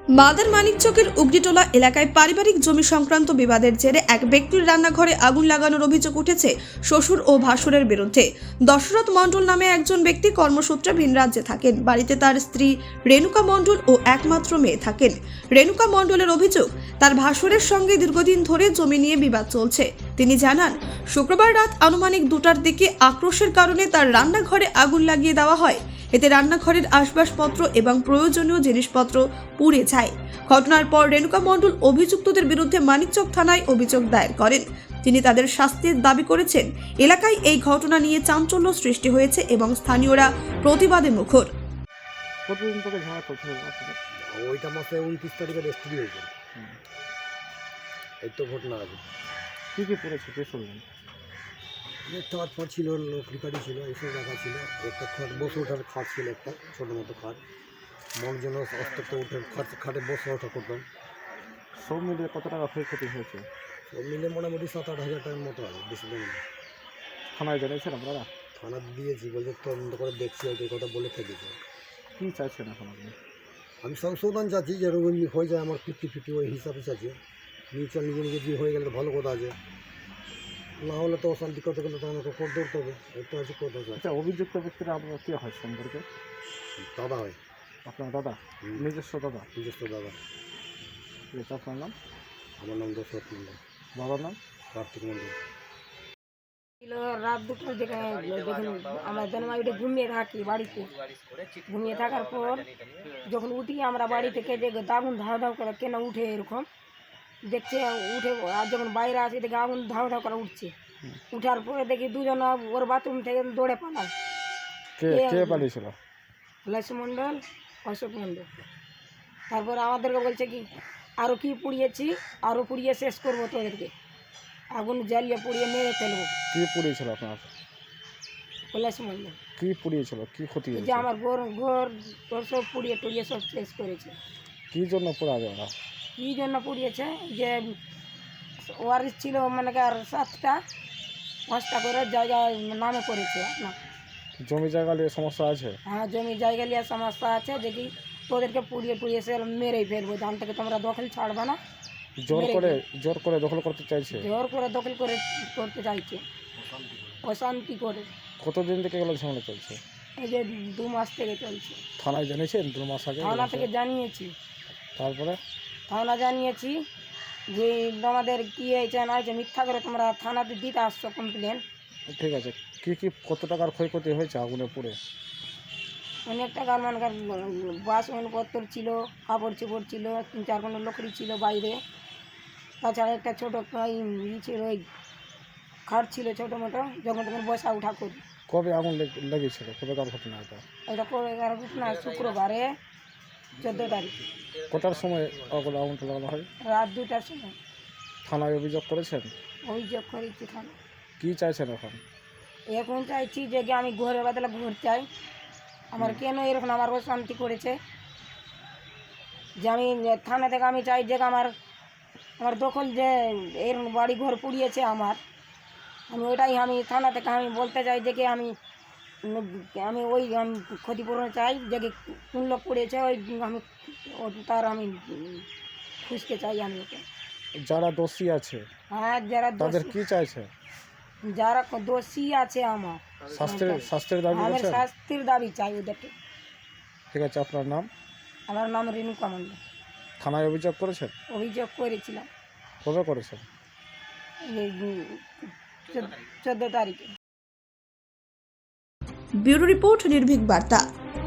Mother মানিকচকের উগরিটোলা এলাকায় পারিবারিক জমি সংক্রান্ত বিবাদের জেরে এক ব্যক্তির রান্নাঘরে আগুন লাগানোর অভিযোগ উঠেছে শ্বশুর ও ভাসুরের বিরুদ্ধে। দশরথ মণ্ডল নামে একজন ব্যক্তি কর্মসূত্রে ভিন রাজ্যে থাকেন। বাড়িতে তার স্ত্রী রেণুকা মণ্ডল ও একমাত্র মেয়ে থাকেন। রেণুকা মণ্ডলের অভিযোগ, তার ভাসুরের সঙ্গে দীর্ঘদিন ধরে জমি নিয়ে বিবাদ চলছে। তিনি জানান, শুক্রবার রাত আনুমানিক 2টার দিকে আক্রোশের কারণে তার রান্নাঘরে আগুন লাগিয়ে দেওয়া হয়। এতে রান্নাঘরের আসবাবপত্র এবং প্রয়োজনীয় জিনিসপত্র পুড়ে যায়। ঘটনার পর রেণুকা মণ্ডল অভিযুক্তদের বিরুদ্ধে মানিকচক থানায় অভিযোগ দায়ের করেন। তিনি তাদের শাস্তির দাবি করেছেন। এলাকায় এই ঘটনা নিয়ে চাঞ্চল্য সৃষ্টি হয়েছে এবং স্থানীয়রা প্রতিবাদে মুখর। কতদিন থেকে ঝামেলা চলছে আপনাদের? ওইটা মাসে 29 তারিখে রেজিস্ট্রি হয়েছে। এই তো ঘটনা আছে। কী কী পড়েছে কে শুনলেন? তারপর ছিল লকড়ি কাঠি ছিল, এইসব রাখা ছিল। একটা খাট, বসে ওঠার খাট ছিল, একটা ছোটো মতো খাট। মগ যেন অস্ত্র উঠে খাটে বসে ওঠা করতাম। সব মিলিয়ে কত টাকা ক্ষয়ক্ষতি হয়েছে? সব মিলে মোটামুটি 7-8 হাজার টাকার মতো আছে, বেশি দিন না। থানায় জানিয়েছেন আপনারা? থানা দিয়েছি, বলছে তদন্ত করে দেখছি, ওই কথা বলে থেকেছে। কী চাইছেন এখন আপনি? আমি সংশোধন চাচ্ছি, যে রোগ হয়ে যায় আমার 50-50 ওই হিসাবে চাচ্ছি। মিউচুয়াল নিজে নিজে দিয়ে হয়ে গেলে তো ভালো কথা আছে, না হলে তো অশান্তি করতে গেলে তো আমাকে কোর্ট দৌড়তে হবে। এটা হচ্ছে কথা। আচ্ছা, অভিযুক্ত ব্যক্তিরা আপনার কী হয় সম্পর্কে? দাদা হয়, আপনার দাদা? নিজস্ব দাদা? নিজস্ব দাদা। ঠিক আছে, আপনার নাম? আমার নাম দশরথ মণ্ডল। বাবার নাম? কার্তিক মণ্ডল। ছিল রাত 2টার দিকে। যখন আমরা জন্মাইটে ঘুমিয়ে থাকি বাড়িতে, ঘুমিয়ে থাকার পর যখন উঠি আমরা বাড়ি থেকে, যে আগুন ধাও ধাও করে কেন উঠে এরকম দেখছে, উঠে আর যখন বাইরে আসি দেখি আগুন ধাও ধাও করে উঠছে। উঠার পরে দেখি দুজন ওর বাথরুম থেকে দৌড়ে পালায়। কে কে পালিয়েছিল? লাইসু মণ্ডল, অশোক মণ্ডল। তারপরে আমাদেরকে বলছে কি, আরও কি পুড়িয়েছি, আরও পুড়িয়ে শেষ করবো তোদেরকে, আগুন জ্বালিয়ে পুড়িয়ে মেরে ফেলবো। কী পুড়িয়েছিল আপনার? কৈলাস মণ্ডল। কী পুড়িয়েছিল? কী ক্ষতি এই যে হয়েছে? আমার ঘর ঘর ঘর সব পুড়িয়ে টুড়িয়ে সব শেষ করেছে। কী জন্য পোড়াবে ওরা? কী জন্য পুড়িয়েছে? যে ওয়ারিস ছিল মানে কি আর 7টা 5টা করে জায়গায় নামে করেছে না। জমি জায়গা নিয়ে সমস্যা আছে? হ্যাঁ, জমি জায়গা নিয়ে সমস্যা আছে, যে কি তোদেরকে পুড়িয়ে টুড়িয়ে সে মেরেই ফেলবো, জান থেকে তোমরা দখল ছাড়বে না। জোর করে দখল করতে চাইছে? জোর করে দখল করে করতে চাইছে, অশান্তি করে। কতদিন থেকে এগুলো ঝামেলা চলছে? এই যে 2 মাস থেকে চলছে। থানায় জানিয়েছেন 2 মাস আগে? থানা থেকে জানিয়েছি, তারপরে? থানা জানিয়েছি যে আমাদের কী হয়েছে না হয়েছে, মিথ্যা করে তোমরা থানাতে দিতে আসছো কমপ্লেন। ঠিক আছে, কত টাকার ক্ষয়ক্ষতি হয়েছে আগুনে পুড়ে? অনেক টাকার মানকার বাসনপত্র ছিল, কাপড় চোপড় ছিল, 3-4 কোনো লকড়ি ছিল বাইরে। তাছাড়া একটা ছোটো ছিল, ওই খাট ছিল ছোটো মোটো, যখন তখন বসা উঠা করি। কবে আগুন লেগেছিল? কবেকার ঘটনা এটা? এটা করে ঘটনা শুক্রবারে 14 তারিখ কটার সময় আগুনটা লাগানো হয়? রাত 2টার সময়। থানায় অভিযোগ করেছেন? অভিযোগ করেছি থানা। কী চাইছেন এখন? এখন চাইছি যে কি আমি ঘরের বদলে ঘর চাই। আমার কেন এরকম আমার অশান্তি করেছে, যে আমি থানা থেকে আমি চাই যে আমার দখল, যে এরকম বাড়ি ঘর পুড়িয়েছে আমার, ওইটাই আমি থানা থেকে আমি বলতে চাই যে কি আমি ওই ক্ষতিপূরণ চাই, যে কি কোন লোক পুড়িয়েছে ওই আমি তার আমি খুঁজতে চাই আমি ওকে। যারা দোষী আছে হ্যাঁ, যারা তাদের কি চাইছে? যারা দোষী আছে আমার শাস্তির দাবি আমি করছেন? শাস্তির দাবি চাই ওদেরকে। ঠিক আছে, আপনার নাম? আমার নাম রেণুকা মণ্ডল। থানায় অভিযোগ করেছেন? অভিযোগ করেছিলাম কবে করেছেন? এই 14 তারিখে। ব্যুরো রিপোর্ট, নির্ভীক বার্তা।